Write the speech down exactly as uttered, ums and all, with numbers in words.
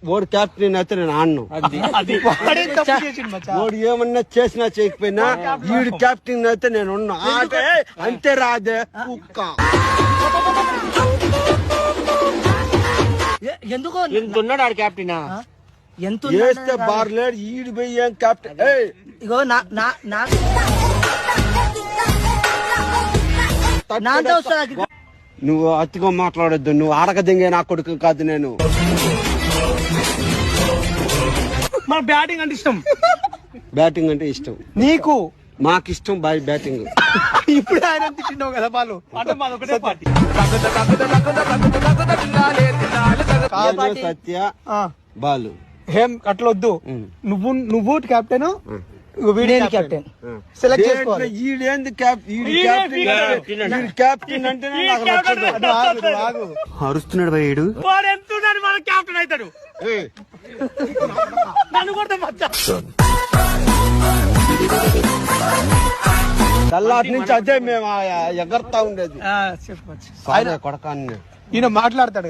ఓడి captain అయితే నేను ఆడను. ఓడి ఏమన్నా చేసినా చేయకపోయినా వీడు క్యాప్టెన్ అయితే నేను ఉన్నా. ఆడే అంతే రాదే కుక్క. ఎందుకు ఎంత ఉన్నాడు ఆడు క్యాప్టెన్? ఎంత వేస్తే బార్లేడు ఈడు పోయి ఏం క్యాప్టెన్. ఇగో నా నా నాతో వస్తా. నువ్వు అతిగా మాట్లాడొద్దు. నువ్వు ఆడక దింగే నా కొడుకు కాదు నేను. మన బ్యాటింగ్ అంటే ఇష్టం. బ్యాటింగ్ అంటే ఇష్టం నీకు? మాకు ఇష్టం బాయ్ బ్యాటింగ్. ఇప్పుడు ఆయన తిన్నావు కదా బాలు అంటే మాది ఒకటే పార్టీ. సత్య బాలు ఏం అట్లొద్దు. నువ్వు నువ్వు కెప్టెన్, కెప్టెన్ సెలెక్ట్ చేసుకోవాలి. ఈడేంది క్యాప్టెన్ అంటే అరుస్తున్నాడు భయ్యుడు. వాడు ఎంత మన కెప్టెన్ అవుతాడు. నన్ను కూడా తెల్లాటి నుంచి అదే మేము ఎగరతా ఉండేది. చెప్పచ్చు కొడకాన్ని ఈయన మాట్లాడతాడు.